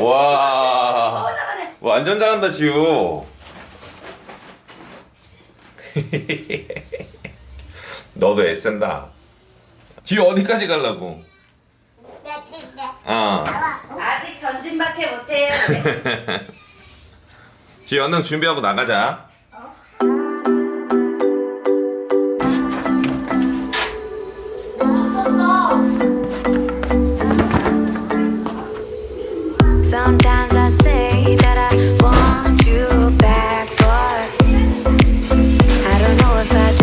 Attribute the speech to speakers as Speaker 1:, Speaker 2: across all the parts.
Speaker 1: 와.
Speaker 2: 너무 잘하네.
Speaker 1: 완전 잘한다 지우. 너도 애쓴다. 지우 어디까지 가려고?
Speaker 2: 아직 전진밖에 못해요.
Speaker 1: 지우 얼른 준비하고 나가자.
Speaker 3: Sometimes I say that I want you back, but I don't know if I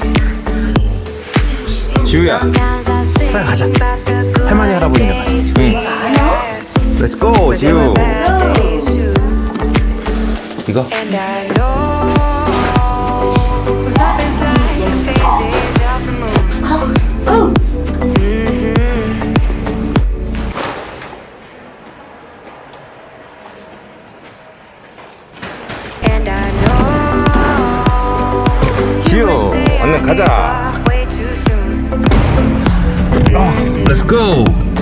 Speaker 3: do.
Speaker 1: 지우야.
Speaker 3: Sometimes I say
Speaker 4: 빨리 가자.
Speaker 3: about the good
Speaker 4: 할머니, 할아버지네 가자.
Speaker 3: days we had,
Speaker 4: Let's go,
Speaker 3: but there
Speaker 4: 지우.
Speaker 3: were bad days too.
Speaker 4: 이거?
Speaker 3: And I know love is like the phases of the moon. And I know
Speaker 4: 지우, 얼른 가자.
Speaker 3: way too soon.
Speaker 4: Let's go.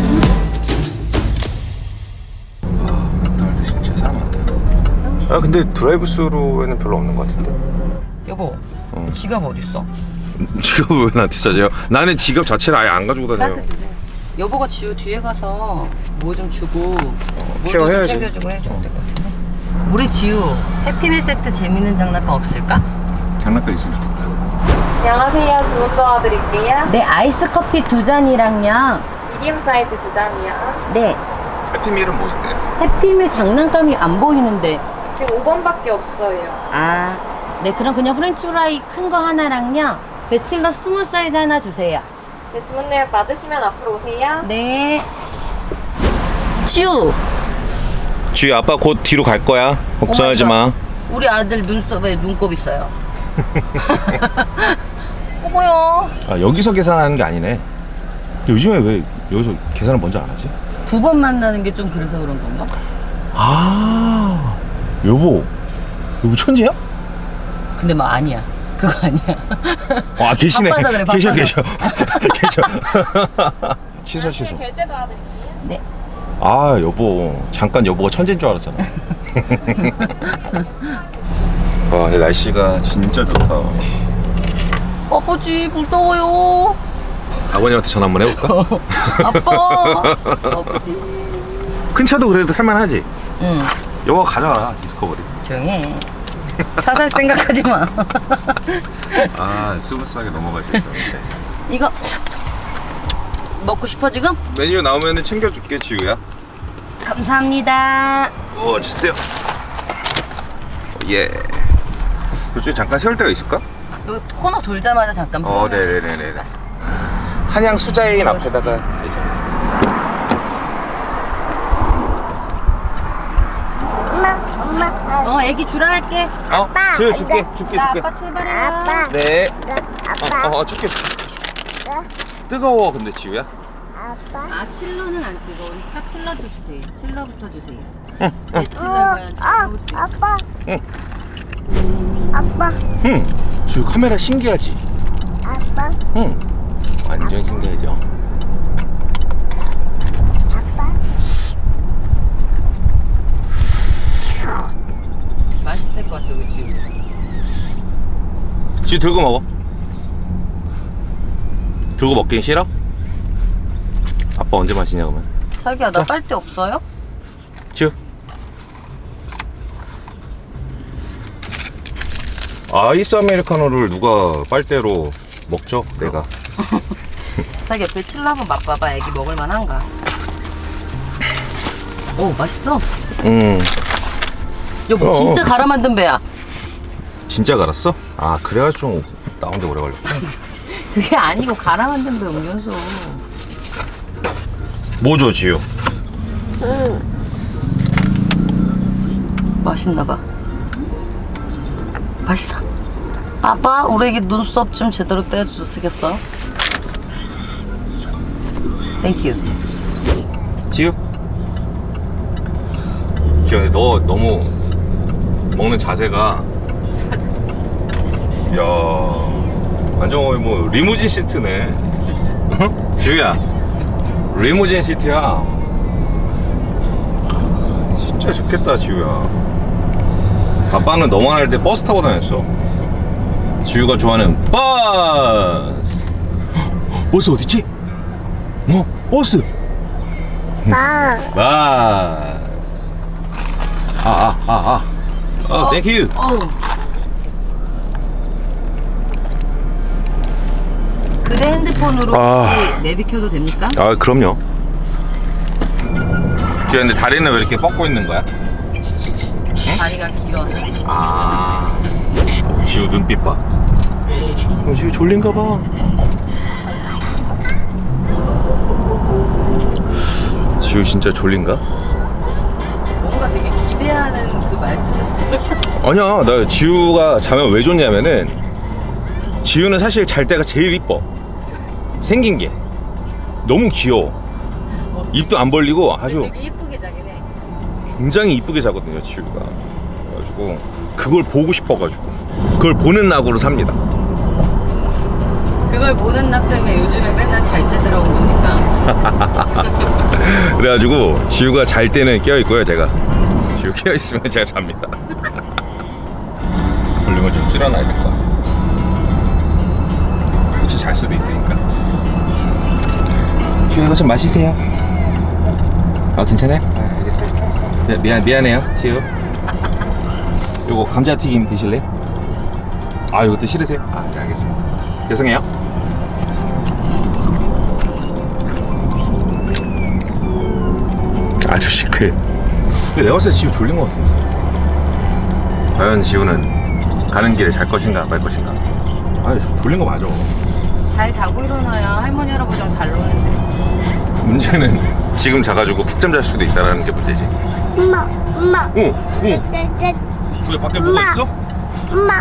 Speaker 4: 진짜 사람 많다. 아 근데 드라이브 스루에는 별로 없는 것 같은데.
Speaker 2: 여보, 지갑 어딨어?
Speaker 4: 지갑을 왜 나한테 찾아요? 나는 지갑 자체를 아예 안 가지고 다녀요.
Speaker 2: 나한테 주세요. 여보가 지우 뒤에 가서 뭐 좀 주고 뭐 좀
Speaker 4: 케어해야지.
Speaker 2: 챙겨주고 해줘야 될 것 같은데. 우리 지우 해피밀 세트 재밌는 장난감 없을까?
Speaker 4: 장난감 있으면 좋겠다.
Speaker 5: 안녕하세요. 주문 도와드릴게요.
Speaker 2: 네, 아이스 커피 2잔이랑요.
Speaker 5: 미디움 사이즈 2잔이요.
Speaker 2: 네,
Speaker 4: 해피밀은 뭐 있어요?
Speaker 2: 해피밀 장난감이 안 보이는데.
Speaker 5: 지금 5번밖에 없어요.
Speaker 2: 아, 네, 그럼 그냥 프렌치 프라이 큰 거 하나랑요. 배칠러 스몰 사이즈 하나 주세요.
Speaker 5: 네, 주문 내역 받으시면 앞으로 오세요.
Speaker 2: 네. 지우,
Speaker 4: 지우 아빠 곧 뒤로 갈 거야. 걱정하지 마.
Speaker 2: 우리 아들 눈썹에 눈곱 있어요. 어머요.
Speaker 4: 아 여기서 계산하는 게 아니네. 요즘에 왜 여기서 계산을 먼저 안 하지?
Speaker 2: 두 번 만나는 게 좀 그래서 그런 건가?
Speaker 4: 아 여보 천재야?
Speaker 2: 근데 뭐 아니야. 그거 아니야.
Speaker 4: 아 계시네.
Speaker 2: 바빠서 그래,
Speaker 4: 계셔
Speaker 2: 바빠서.
Speaker 4: 계셔. 취소.
Speaker 5: 결제 도와드릴게요.
Speaker 2: 네.
Speaker 4: 아 여보 잠깐 여보가 천재인 줄 알았잖아. 와 근데 날씨가 진짜 좋다.
Speaker 2: 아버지 무서워요.
Speaker 4: 아버님한테 전화 한번 해볼까?
Speaker 2: 아빠. 아버지.
Speaker 4: 큰 차도 그래도 살만하지?
Speaker 2: 응.
Speaker 4: 여보가 가져가라 디스커버리.
Speaker 2: 조용히 해. 차 살 생각하지 마.
Speaker 4: 아 스무스하게 넘어갈 수 있었는데.
Speaker 2: 이거 먹고 싶어 지금?
Speaker 4: 메뉴 나오면 챙겨줄게 지우야.
Speaker 2: 감사합니다.
Speaker 4: 주세요. 예. 그쪽에 잠깐 세울 데가 있을까?
Speaker 2: 여기 코너 돌자마자 잠깐.
Speaker 4: 네네네네. 한양 수자인 앞에다가 되죠.
Speaker 2: 애기 주라 할게.
Speaker 4: 아빠. 줄게.
Speaker 2: 나 아빠 출발해요.
Speaker 4: 네. 줄게. 뜨거워 근데 지우야.
Speaker 2: 아, 칠러는 안 뜨거우니까 칠러도 주세요. 칠러부터 주세요. 네, 칠러는 먹을 수 있어.
Speaker 4: 응. 지우 카메라 신기하지?
Speaker 6: 아빠,
Speaker 4: 응. 완전 신기하죠.
Speaker 6: 아빠,
Speaker 2: 맛있을 것 같아, 우리 지우.
Speaker 4: 지우 들고 먹어. 들고 먹긴 싫어? 아빠 언제 마시냐 그러면?
Speaker 2: 자기야, 나 빨대 없어요?
Speaker 4: 지우. 아이스 아메리카노를 누가 빨대로 먹죠? 내가.
Speaker 2: 자기 옆에 칠러 한번 맛봐봐. 애기 먹을 만한가? 오, 맛있어. 여보, 진짜 갈아 만든 배야.
Speaker 4: 진짜 갈았어? 아 그래가지고 좀 나오는데 오래 걸렸구나.
Speaker 2: 그게 아니고 갈아 만든 배 음료수.
Speaker 4: 뭐죠 지우?
Speaker 2: 맛있나봐. 맛있어. 아빠, 우리 애기 눈썹 좀 제대로 떼어주시겠어? 땡큐.
Speaker 4: 지우? 지우 너 너무 먹는 자세가 야 완전 거의 뭐 리무진 시트네. 지우야 리무진 시트야. 진짜 좋겠다 지우야. 아빠는 너만 할 때 버스 타고 다녔어. 지우가 좋아하는 버스. 버스 어딨지? 버스.
Speaker 6: 아빠.
Speaker 4: 버스. 땡큐.
Speaker 2: 그대 핸드폰으로
Speaker 4: 아.
Speaker 2: 혹시 내비 켜도 됩니까?
Speaker 4: 그럼요. 지우야, 근데 다리는 왜 이렇게 뻗고 있는 거야?
Speaker 2: 다리가 길어서.
Speaker 4: 지우 눈빛 봐. 지우 졸린가 봐. 지우 진짜 졸린가?
Speaker 2: 뭔가 되게 기대하는 그 말투가.
Speaker 4: 아니야, 나 지우가 자면 왜 좋냐면은 지우는 사실 잘 때가 제일 이뻐. 생긴 게 너무 귀여워. 입도 안 벌리고 아주
Speaker 2: 되게 예쁘게 자긴 해.
Speaker 4: 굉장히 이쁘게 자거든요, 지우가. 그래가지고 그걸 보고 싶어가지고 그걸 보는 낙으로 삽니다.
Speaker 2: 그걸 보는 낙 때문에 요즘에 맨날 잘 때 들어온 거니까.
Speaker 4: 그래가지고 지우가 잘 때는 깨어 있고요, 제가. 지우 깨어 있으면 제가 잡니다. 졸리면 좀 줄여놔야 될 것 같아. 혹시 잘 수도 있으니까. 지우 이거 좀 마시세요. 괜찮아요? 알겠어요. 미안해요, 지우. 요거 감자튀김 드실래요? 이것도 싫으세요? 네, 알겠습니다. 죄송해요. 아주 시크해. 내가 봤을 때 지우 졸린 것 같은데. 과연 지우는 가는 길에 잘 것인가 말 것인가? 졸린 거 맞아.
Speaker 2: 잘 자고 일어나야 할머니 할아버지랑 잘 노는데.
Speaker 4: 문제는 지금 자가지고 푹 잠잘 수도 있다는 게 문제지.
Speaker 6: 엄마.
Speaker 4: 왜 밖에 뭐가 있어?
Speaker 6: 엄마.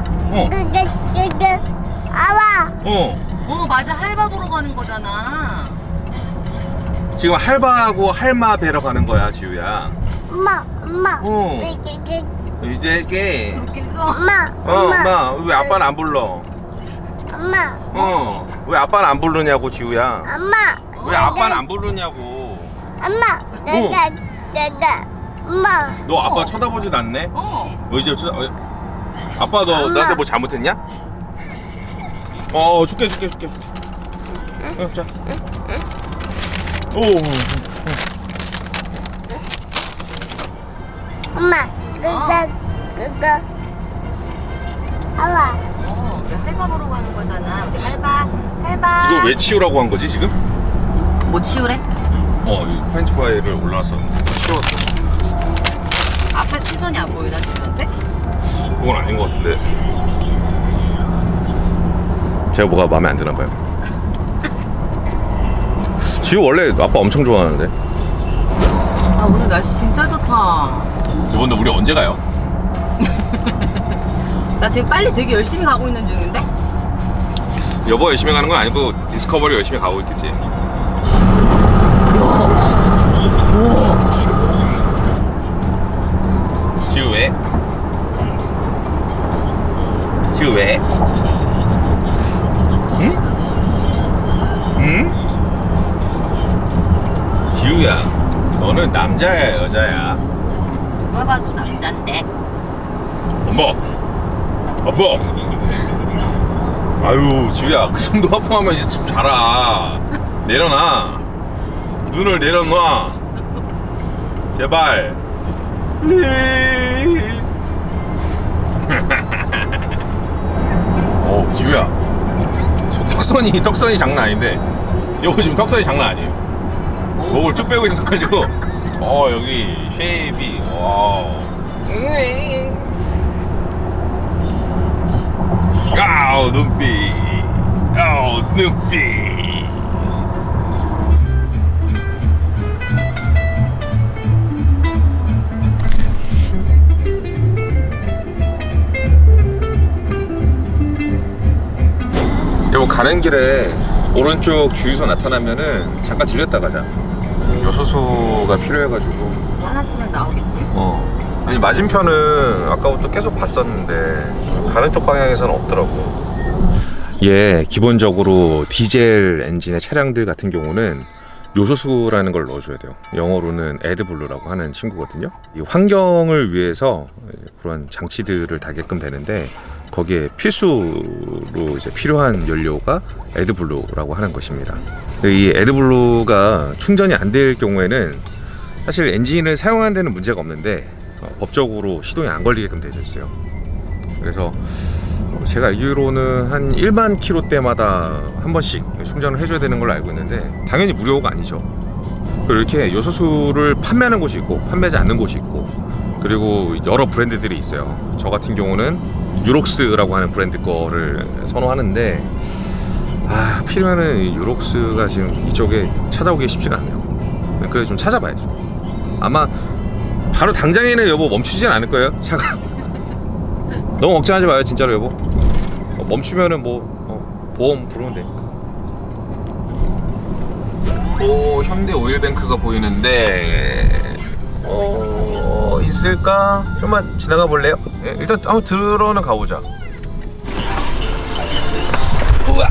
Speaker 6: 아와.
Speaker 2: 맞아, 할바 보러 가는 거잖아.
Speaker 4: 지금 할바하고 할마 뵈러 가는 거야, 지우야.
Speaker 6: 엄마.
Speaker 4: 이제
Speaker 2: 그렇겠어?
Speaker 6: 엄마.
Speaker 4: 엄마 왜 아빠는 안 불러?
Speaker 6: 엄마.
Speaker 4: 왜 아빠는 안 부르냐고, 지우야.
Speaker 6: 엄마.
Speaker 4: 왜 아빠는 안 부르냐고.
Speaker 6: 엄마. 엄마.
Speaker 4: 너 아빠 쳐다보지도 않네? 이제 아빠 너
Speaker 6: 엄마.
Speaker 4: 나한테 뭐 잘못했냐? 줄게. 자.
Speaker 6: 엄마. 아와.
Speaker 2: 우리 할바 보러 가는 거잖아. 우리 할바.
Speaker 4: 이거 왜 치우라고 한 거지, 지금?
Speaker 2: 뭐 치우래?
Speaker 4: 이 프렌치 프라이를 올라왔었는데 치웠어.
Speaker 2: 앞에 시선이 안 보이다 치는데?
Speaker 4: 그건 아닌 것 같은데. 제가 뭐가 마음에 안 드나 봐요. 지우 원래 아빠 엄청 좋아하는데.
Speaker 2: 오늘 날씨 진짜 좋다.
Speaker 4: 이번에 우리 언제 가요?
Speaker 2: 나 지금 빨리 되게 열심히 가고 있는 중인데?
Speaker 4: 여보 열심히 가는 건 아니고 디스커버리 열심히 가고 있겠지. 지우 왜? 지우 왜? 응? 지우야, 너는 남자야 여자야?
Speaker 2: 누가 봐도 남잔데.
Speaker 4: 엄마. 아유, 지우야, 그 정도 하품하면 이제 좀 자라. 내려놔. 눈을 내려놔. 제발. 지우야. 턱선이 장난 아닌데. 여보 지금 턱선이 장난 아니에요. 목을 쭉 빼고 있어가지고. 여기 쉐입이. 와우. 눈빛. 눈빛. 여보 가는 길에 오른쪽 주유소 나타나면은 잠깐 들렸다 가자. 요소수가 필요해가지고.
Speaker 2: 하나쯤은 나오겠지?
Speaker 4: 아니 맞은편은 아까부터 계속 봤었는데 다른 쪽 방향에서는 없더라고. 예, 기본적으로 디젤 엔진의 차량들 같은 경우는 요소수라는 걸 넣어줘야 돼요. 영어로는 애드블루라고 하는 친구거든요. 이 환경을 위해서 그런 장치들을 달게끔 되는데 거기에 필수로 이제 필요한 연료가 애드블루라고 하는 것입니다. 이 애드블루가 충전이 안 될 경우에는 사실 엔진을 사용하는 데는 문제가 없는데 법적으로 시동이 안 걸리게끔 되어 있어요. 그래서 제가 알기로는 한 1만 킬로 때마다 한 번씩 충전을 해줘야 되는 걸로 알고 있는데 당연히 무료가 아니죠. 그리고 이렇게 요소수를 판매하는 곳이 있고 판매하지 않는 곳이 있고 그리고 여러 브랜드들이 있어요. 저 같은 경우는 유록스라고 하는 브랜드 거를 선호하는데 필요하는 유록스가 지금 이쪽에 찾아오기 쉽지가 않네요. 그래서 좀 찾아봐야죠. 아마 바로 당장에는 여보 멈추진 않을 거예요, 차가. 너무 걱정하지 마요, 진짜로 여보. 멈추면은 보험 부르면 되니까. 오, 현대 오일뱅크가 보이는데 있을까? 좀만 지나가 볼래요? 네, 일단 한번 들어는 가보자. 우와.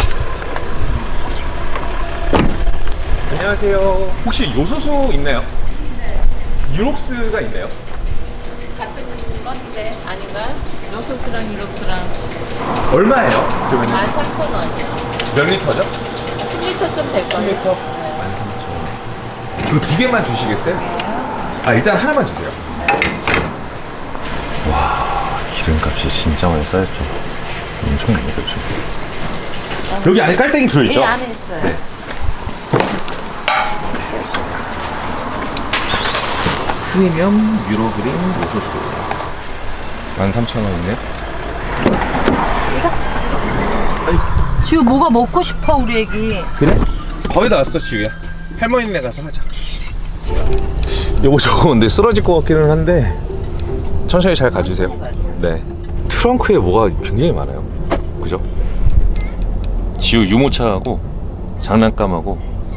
Speaker 4: 안녕하세요. 혹시 요소수 있나요? 네. 유록스가 있나요?
Speaker 2: 같은 건데 아닌가? 요소수랑 유록스랑
Speaker 4: 얼마예요? 그러면
Speaker 2: 13,000원.
Speaker 4: 몇 리터죠?
Speaker 2: 10리터쯤 될 거예요.
Speaker 4: 10리터? 13,000원. 그 두 개만 주시겠어요? 일단 하나만 주세요. 와, 기름값이 진짜 많이 쌓였죠. 엄청 많이 들죠. 여기 안에 깔때기 들어있죠?
Speaker 2: 예, 안에 있어요.
Speaker 4: 네. 프리미엄 유로그린 요소수 13,000원이네.
Speaker 2: 지우 뭐가 먹고 싶어 우리 애기.
Speaker 4: 그래? 거의 다 왔어 지우야. 할머니네 가서 하자. 여보 저거 근데 쓰러질 것 같기는 한데 천천히 잘 가주세요. 네. 트렁크에 뭐가 굉장히 많아요. 그죠? 지우 유모차하고 장난감하고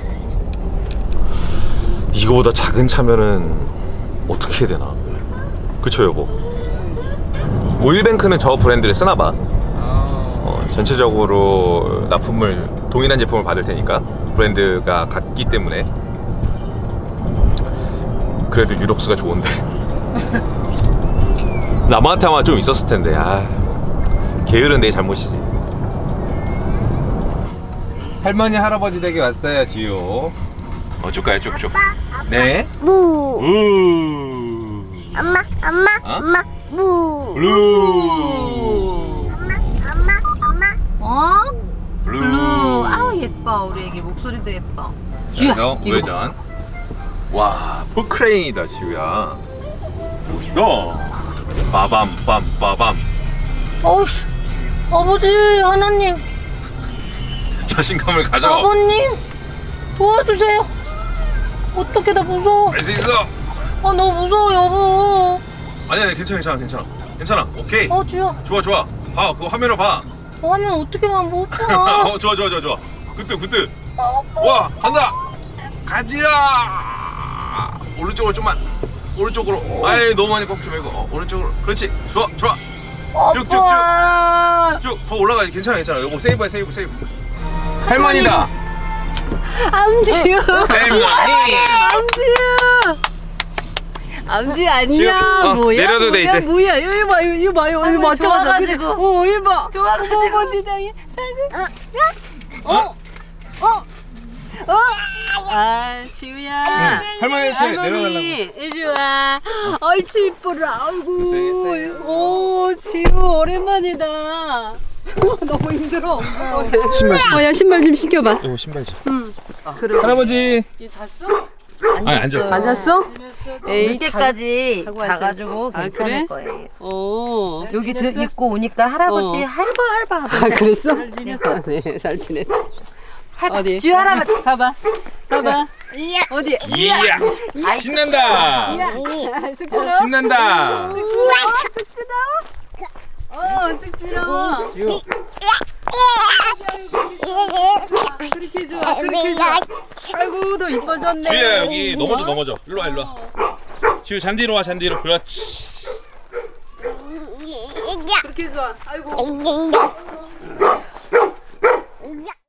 Speaker 4: 이거보다 작은 차면은 어떻게 해야 되나? 그쵸 여보? 오일뱅크는 저 브랜드를 쓰나봐. 전체적으로 납품을 동일한 제품을 받을 테니까 브랜드가 같기 때문에 그래도 유록스가 좋은데 남한테 아마 좀 있었을 텐데 게으른 내 잘못이지. 할머니 할아버지 댁에 왔어요 지효. 줄까요 쭉쭉? 네.
Speaker 6: 무.
Speaker 4: 우.
Speaker 6: 엄마. 엄마. 무.
Speaker 4: 블루.
Speaker 6: 엄마.
Speaker 2: 블루. 아우 예뻐 우리 애기 목소리도 예뻐.
Speaker 4: 그래서 우회전. 와, 포크레인이다 지우야. 멋있다. 빠밤 빰빠밤.
Speaker 2: 어우씨 아버지 하나님
Speaker 4: 자신감을 가져.
Speaker 2: 아버님 도와주세요. 어떻게 나 무서워.
Speaker 4: 할 수 있어.
Speaker 2: 너무 무서워 여보.
Speaker 4: 아니야 괜찮아. 오케이.
Speaker 2: 주야.
Speaker 4: 좋아. 봐, 그거 화면으로 봐.
Speaker 2: 하면 어떻게만 못 봐.
Speaker 4: 좋아. 그때. 와, 간다. 가지야. 오른쪽으로 좀만. 오른쪽으로. 너무 많이 꺾지 말고. 오른쪽으로. 그렇지. 좋아. 쭉. 더 올라가야지. 괜찮아. 이거 세이브해. 할머니다.
Speaker 2: 암지유.
Speaker 4: 할머니.
Speaker 2: 암지 안녕.
Speaker 4: 지금,
Speaker 2: 뭐야?
Speaker 4: 내려도 돼, 이제.
Speaker 2: 뭐야? 이거 봐요.
Speaker 6: 아이고,
Speaker 2: 맞죠?
Speaker 6: 좋아가지고.
Speaker 2: 이거 봐. 좋아가지고. 지우야.
Speaker 4: 할머니한테 내려달라고.
Speaker 2: 이리 와. 얼치 이뻐라. 아이고.
Speaker 4: 고생했어요.
Speaker 2: 오, 지우 오랜만이다. 너무 힘들어.
Speaker 4: 신발.
Speaker 2: 야 신발 좀 신겨봐.
Speaker 4: 이거 신발지.
Speaker 2: 그래.
Speaker 4: 할아버지.
Speaker 2: 얘 잤어?
Speaker 4: 아니 앉았어.
Speaker 2: 안 잤어?
Speaker 7: 에이, 늦게까지
Speaker 2: 자고 왔어요.
Speaker 7: 자가지고
Speaker 2: 아,
Speaker 7: 괜찮을
Speaker 2: 그래?
Speaker 7: 거예요.
Speaker 2: 어.
Speaker 7: 여기 입고 오니까 할아버지 할바 하던데.
Speaker 2: 그랬어? 네, 잘 지냈. 어디?
Speaker 7: 주 할아버지.
Speaker 2: 봐봐. 어디?
Speaker 4: 이야. 신난다. 신난다.
Speaker 2: 쑥스러워. 그렇게 좋아. 아이고, 너 이뻐졌네.
Speaker 4: 지우야 여기 넘어져. 일로 와. 지우 잔디로 와. 그렇지.
Speaker 2: 그렇게 좋아. 아이고.